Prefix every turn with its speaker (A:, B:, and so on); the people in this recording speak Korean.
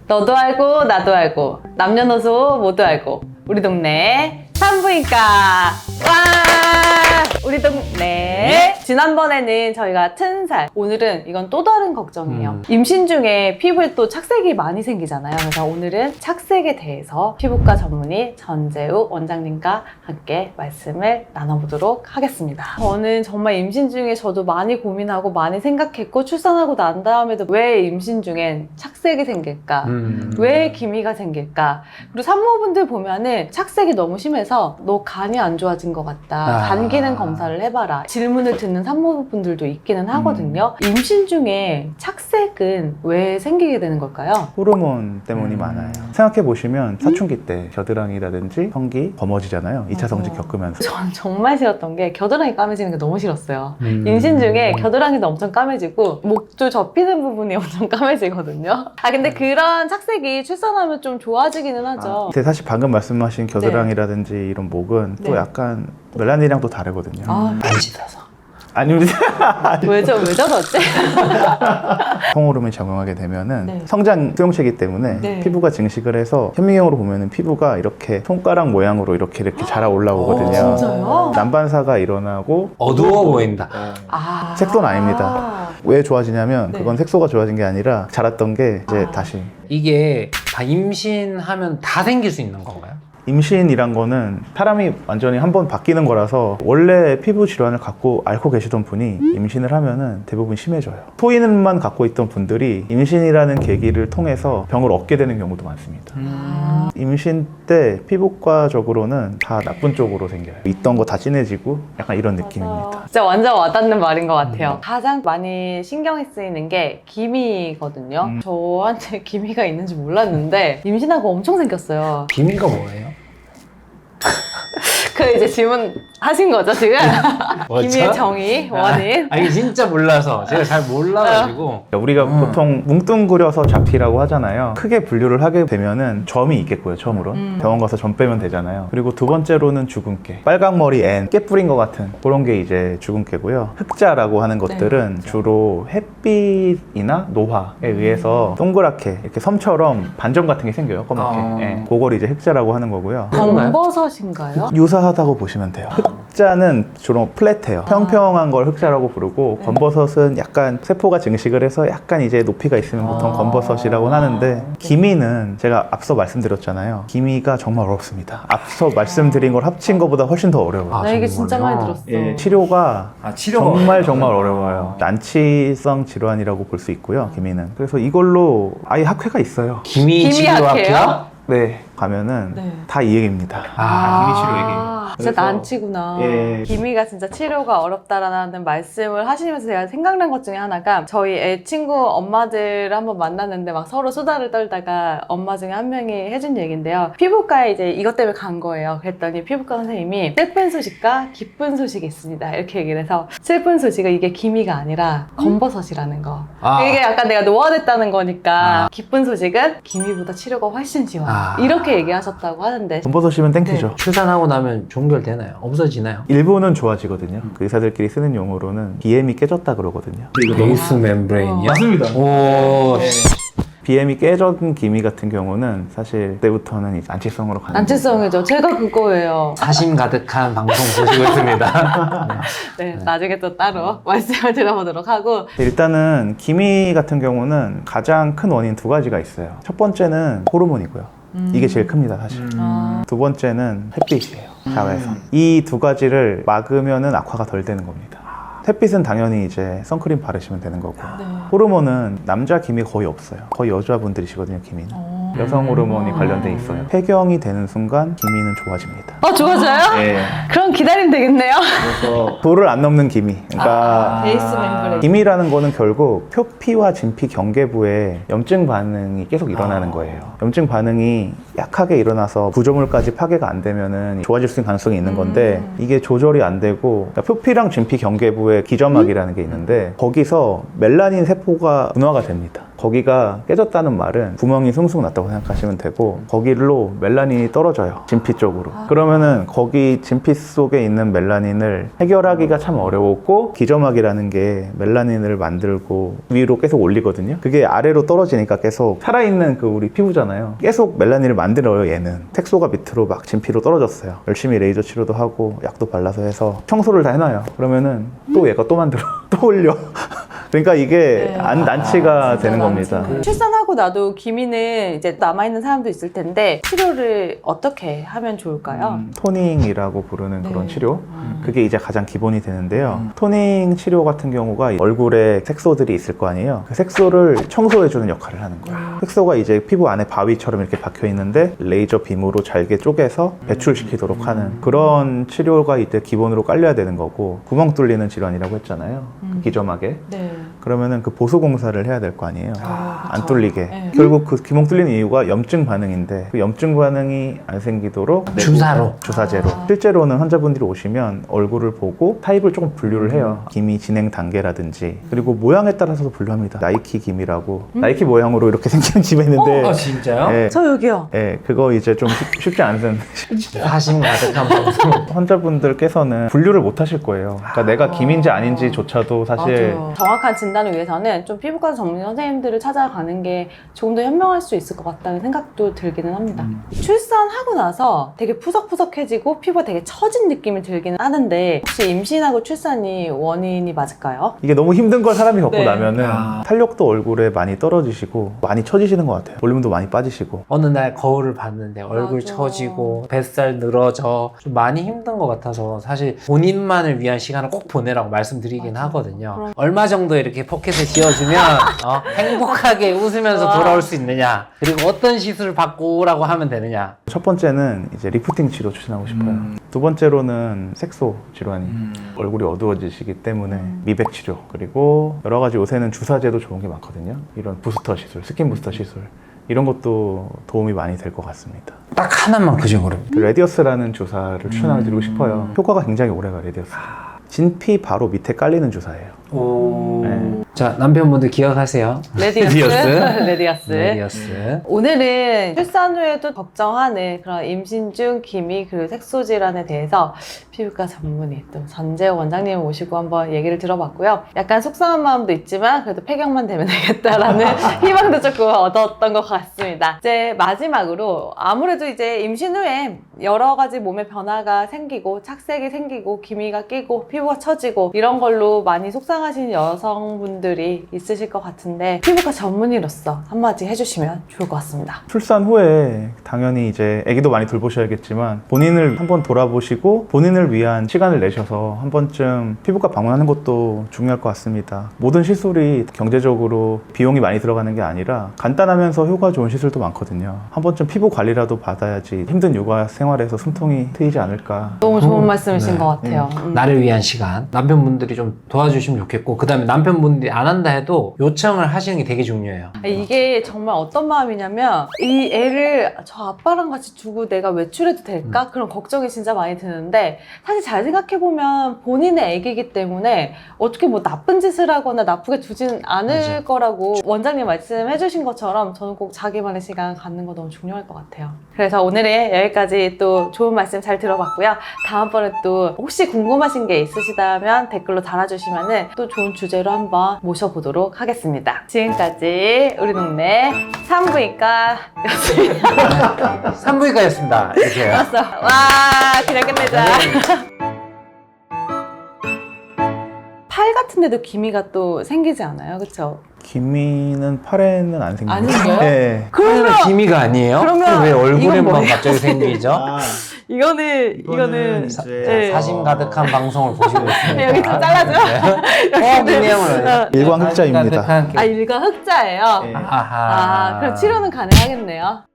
A: 너도 알고 나도 알고 남녀노소 모두 알고 우리 동네 산부인과 와 우리 동네 지난번에는 저희가 튼살 오늘은 이건 또 다른 걱정이에요. 임신 중에 피부에 또 착색이 많이 생기잖아요. 그래서 오늘은 착색에 대해서 피부과 전문의 전재욱 원장님과 함께 말씀을 나눠보도록 하겠습니다. 저는 정말 임신 중에 저도 많이 고민하고 많이 생각했고 출산하고 난 다음에도 왜 임신 중엔 착색이 생길까? 왜 기미가 생길까? 그리고 산모분들 보면은 착색이 너무 심해서 너 간이 안 좋아진 것 같다. 간 기능 검사를 해봐라. 질문을 듣는 산모분들도 있기는 하거든요. 임신 중에 착색은 왜 생기게 되는 걸까요?
B: 호르몬 때문이 많아요. 생각해보시면 사춘기 때 겨드랑이라든지 성기 검어지잖아요. 2차 성직 겪으면서.
A: 전 정말 싫었던 게 겨드랑이 까매지는 게 너무 싫었어요. 임신 중에 겨드랑이도 엄청 까매지고 목줄 접히는 부분이 엄청 까매지거든요. 근데 그런 착색이 출산하면 좀 좋아지기는 하죠.
B: 근데 사실 방금 말씀하신 겨드랑이라든지 이런 목은 또
A: 네.
B: 약간 멜라닌이랑 또 다르거든요.
C: 안 씻어서.
B: 아닙니다.
A: 왜 저러지?
B: 성호르몬이 작용하게 되면은
A: 네.
B: 성장 수용체이기 때문에
A: 네.
B: 피부가 증식을 해서 현미경으로 보면은 피부가 이렇게 손가락 모양으로 이렇게 자라 올라오거든요.
A: 진짜요?
B: 난반사가 일어나고
C: 어두워 보인다.
B: 색소는 아닙니다. 왜 좋아지냐면
A: 네.
B: 그건 색소가 좋아진 게 아니라 자랐던 게 이제 다시
C: 이게 다 임신하면 다 생길 수 있는 건가요?
B: 임신이란 거는 사람이 완전히 한번 바뀌는 거라서 원래 피부 질환을 갖고 앓고 계시던 분이 임신을 하면은 대부분 심해져요. 소인만 갖고 있던 분들이 임신이라는 계기를 통해서 병을 얻게 되는 경우도 많습니다. 임신 때 피부과적으로는 다 나쁜 쪽으로 생겨요. 있던 거 다 진해지고 약간 이런 느낌입니다.
A: 진짜 완전 와닿는 말인 것 같아요. 가장 많이 신경이 쓰이는 게 기미거든요. 저한테 기미가 있는지 몰랐는데 임신하고 엄청 생겼어요.
C: 기미가 뭐예요?
A: 그 이제 질문 하신 거죠 지금? 기미의 정의, 원인.
C: 이게 진짜 몰라서 제가 잘 몰라가지고
B: 우리가 보통 뭉뚱그려서 잡티라고 하잖아요. 크게 분류를 하게 되면은 점이 있겠고요. 처음으로 병원 가서 점 빼면 되잖아요. 그리고 두 번째로는 주근깨, 빨강머리 앤, 깨 뿌린 것 같은 그런 게 이제 주근깨고요. 흑자라고 하는 것들은 주로 햇빛이나 노화에 의해서 동그랗게 이렇게 섬처럼 반점 같은 게 생겨요. 검게. 예, 그걸 이제 흑자라고 하는 거고요.
A: 검버섯인가요?
B: 유사하다고 보시면 돼요. 흑자는 주로 플랫해요. 평평한 걸 흑자라고 부르고 검버섯은 약간 세포가 증식을 해서 약간 이제 높이가 있으면 보통 검버섯이라고 하는데 기미는 제가 앞서 말씀드렸잖아요. 기미가 정말 어렵습니다. 앞서 말씀드린 걸 합친 것보다 훨씬 더 어려워요.
A: 나 이게 진짜 많이 들었어.
B: 예, 치료가 정말 어려워요. 난치성 질환이라고 볼 수 있고요. 기미는. 그래서 이걸로 아예 학회가 있어요.
C: 기미 치료학회요?
B: 네, 가면은
A: 네.
B: 다 이 얘기입니다.
C: 기미
B: 치료 얘기.
A: 진짜
B: 그래서-
A: 난치구나.
B: 예.
A: 기미가 진짜 치료가 어렵다라는 말씀을 하시면서 제가 생각난 것 중에 하나가 저희 애 친구 엄마들을 한번 만났는데 막 서로 수다를 떨다가 엄마 중에 한 명이 해준 얘기인데요. 피부과에 이제 이것 때문에 간 거예요. 그랬더니 피부과 선생님이 슬픈 소식과 기쁜 소식이 있습니다. 이렇게 얘기를 해서 슬픈 소식은 이게 기미가 아니라 검버섯이라는 거. 이게 약간 내가 노화됐다는 거니까 기쁜 소식은 기미보다 치료가 훨씬 지워요. 이렇게 얘기하셨다고 하는데
B: 검버섯이면 땡큐죠.
C: 출산하고 나면 종결되나요? 없어지나요?
B: 일부는 좋아지거든요. 그 의사들끼리 쓰는 용어로는 BM이 깨졌다 그러거든요.
C: 베이스 멤브레인이요?
B: 맞습니다.
C: 오,
B: BM이 깨진 기미 같은 경우는 사실 그때부터는 이제 난치성으로 가는
A: 난치성이죠. 제가 그거예요.
C: 사심 가득한 방송 보시고 있습니다.
A: 네, 나중에 또 따로 말씀을 드려보도록 하고
B: 거예요. 일단은 기미 같은 경우는 가장 큰 원인 두 가지가 있어요. 첫 번째는 호르몬이고요. 이게 제일 큽니다, 사실. 두 번째는 햇빛이에요. 자외선. 이 두 가지를 막으면은 악화가 덜 되는 겁니다. 햇빛은 당연히 이제 선크림 바르시면 되는 거고 호르몬은 남자 기미 거의 없어요. 거의 여자분들이시거든요, 기미는. 여성 호르몬이 관련돼 있어요. 폐경이 되는 순간 기미는 좋아집니다.
A: 좋아져요?
B: 예.
A: 그럼 기다리면 되겠네요.
B: 그래서 도를 안 넘는 기미. 그러니까
A: 베이스 멤브레인.
B: 기미라는 거는 결국 표피와 진피 경계부에 염증 반응이 계속 일어나는 거예요. 염증 반응이 약하게 일어나서 구조물까지 파괴가 안 되면은 좋아질 수 있는 가능성이 있는 건데 이게 조절이 안 되고 그러니까 표피랑 진피 경계부에 기점막이라는 게 있는데 거기서 멜라닌 세포가 분화가 됩니다. 거기가 깨졌다는 말은 구멍이 숭숭 났다고 생각하시면 되고 거기로 멜라닌이 떨어져요. 진피 쪽으로. 그러면은 거기 진피 속에 있는 멜라닌을 해결하기가 참 어려웠고 기점막이라는 게 멜라닌을 만들고 위로 계속 올리거든요. 그게 아래로 떨어지니까 계속 살아있는 그 우리 피부잖아요. 계속 멜라닌을 만들어요. 얘는 색소가 밑으로 막 진피로 떨어졌어요. 열심히 레이저 치료도 하고 약도 발라서 해서 청소를 다 해놔요. 그러면은 또 얘가 또 만들어 또 올려. 그러니까 이게 난치가 되는 겁니다.
A: 출산하고 나도 기미는 이제 남아있는 사람도 있을 텐데 치료를 어떻게 하면 좋을까요?
B: 토닝이라고 부르는
A: 네.
B: 그런 치료. 그게 이제 가장 기본이 되는데요. 토닝 치료 같은 경우가 얼굴에 색소들이 있을 거 아니에요. 그 색소를 청소해주는 역할을 하는 거예요. 색소가 이제 피부 안에 바위처럼 이렇게 박혀 있는데 레이저 빔으로 잘게 쪼개서 배출시키도록 하는 그런 치료가 이제 기본으로 깔려야 되는 거고 구멍 뚫리는 질환이라고 했잖아요. 기점막에.
A: 네.
B: 그러면은 그 보수 공사를 해야 될 거 아니에요. 안
A: 그쵸.
B: 뚫리게.
A: 네.
B: 결국 그 구멍 뚫리는 이유가 염증 반응인데 그 염증 반응이 안 생기도록
C: 주사로.
B: 주사제로. 실제로는 환자분들이 오시면 얼굴을 보고 타입을 조금 분류를 해요. 기미 진행 단계라든지 그리고 모양에 따라서도 분류합니다. 나이키 기미라고 나이키 모양으로 이렇게 생기는 기미 있는데
C: 진짜요?
B: 예,
A: 저 여기요.
B: 예, 그거 이제 좀 쉽지 않은
C: 사심 가득한 방송.
B: 환자분들께서는 분류를 못 하실 거예요. 그러니까 내가 기미인지 아닌지조차도 사실
A: 맞아요. 정확한 진단을 위해서는 좀 피부과 전문 선생님들을 찾아가는 게 조금 더 현명할 수 있을 것 같다는 생각도 들기는 합니다. 출산하고 나서 되게 푸석푸석해지고 피부가 되게 처진 느낌이 들기는 하는데 혹시 임신하고 출산이 원인이 맞을까요?
B: 이게 너무 힘든 걸 사람이 겪고
A: 네.
B: 나면은 탄력도 얼굴에 많이 떨어지시고 많이 처지시는 것 같아요. 볼륨도 많이 빠지시고.
C: 어느 날 거울을 봤는데 얼굴
A: 맞아.
C: 처지고 뱃살 늘어져 좀 많이 힘든 것 같아서 사실 본인만을 위한 시간을 꼭 보내라고 말씀드리긴
A: 맞아.
C: 하거든요.
A: 그럼.
C: 얼마 정도 이렇게 포켓을 지어주면 행복하게 웃으면서
A: 와.
C: 돌아올 수 있느냐, 그리고 어떤 시술을 받고 오라고 하면 되느냐.
B: 첫 번째는 이제 리프팅 치료 추천하고 싶어요. 두 번째로는 색소 질환이 얼굴이 어두워지시기 때문에 미백 치료 그리고 여러 가지 요새는 주사제도 좋은 게 많거든요. 이런 부스터 시술, 스킨 부스터 시술 이런 것도 도움이 많이 될 것 같습니다.
C: 딱 하나만 그중으로.
B: 그 레디어스라는 주사를 추천해드리고 싶어요. 효과가 굉장히 오래가 레디어스. 진피 바로 밑에 깔리는 주사예요.
C: 오.
B: 네.
C: 자, 남편분들 기억하세요.
A: 레디어스. 레디어스.
C: 레디어스.
A: 오늘은 출산 후에도 걱정하는 그런 임신 중 기미 그리고 색소 질환에 대해서 피부과 전문의 또 전재호 원장님을 모시고 한번 얘기를 들어봤고요. 약간 속상한 마음도 있지만 그래도 폐경만 되면 되겠다라는 희망도 조금 얻었던 것 같습니다. 이제 마지막으로 아무래도 이제 임신 후에 여러 가지 몸에 변화가 생기고 착색이 생기고 기미가 끼고 피부가 처지고 이런 걸로 많이 속상하신 여성분들이 있으실 것 같은데 피부과 전문의로서 한마디 해주시면 좋을 것 같습니다.
B: 출산 후에 당연히 이제 아기도 많이 돌보셔야겠지만 본인을 한번 돌아보시고 본인을 위한 시간을 내셔서 한 번쯤 피부과 방문하는 것도 중요할 것 같습니다. 모든 시술이 경제적으로 비용이 많이 들어가는 게 아니라 간단하면서 효과 좋은 시술도 많거든요. 한 번쯤 피부 관리라도 받아야지 힘든 육아 생활에서 숨통이 트이지 않을까.
A: 너무 좋은 말씀이신
C: 네.
A: 것 같아요.
C: 나를 위한 시간. 남편분들이 좀 도와주시면 좋겠고, 그 다음에 남편분들이 안 한다 해도 요청을 하시는 게 되게 중요해요.
A: 이게 정말 어떤 마음이냐면 이 애를 저 아빠랑 같이 두고 내가 외출해도 될까? 그런 걱정이 진짜 많이 드는데 사실 잘 생각해보면 본인의 애기이기 때문에 어떻게 뭐 나쁜 짓을 하거나 나쁘게 두진 않을
C: 맞아.
A: 거라고 원장님 말씀해주신 것처럼 저는 꼭 자기만의 시간 갖는 거 너무 중요할 것 같아요. 그래서 오늘은 여기까지 또 좋은 말씀 잘 들어봤고요. 다음번에 또 혹시 궁금하신 게 있으시다면 댓글로 달아주시면 또 좋은 주제로 한번 모셔보도록 하겠습니다. 지금까지 우리 동네 산부인과였습니다.
C: 산부인과였습니다. 이렇게요.
A: 와, 그냥 끝내자. 팔 같은 데도 기미가 또 생기지 않아요? 그쵸?
B: 기미는 팔에는 안 생깁니다.
A: 안 생겨요?
B: 네.
C: 그러면 기미가 아니에요?
A: 그러면
C: 왜
A: 이건
C: 얼굴에만
A: 뭐예요?
C: 갑자기 생기죠?
A: 이거는 네.
C: 사심 가득한 방송을 보시고 있습니다.
A: 여기 좀 잘라줘.
C: 내용을
B: 일광 흑자입니다.
A: 아, 일과 흑자예요?
B: 네.
C: 아하.
A: 아, 그럼 치료는 가능하겠네요.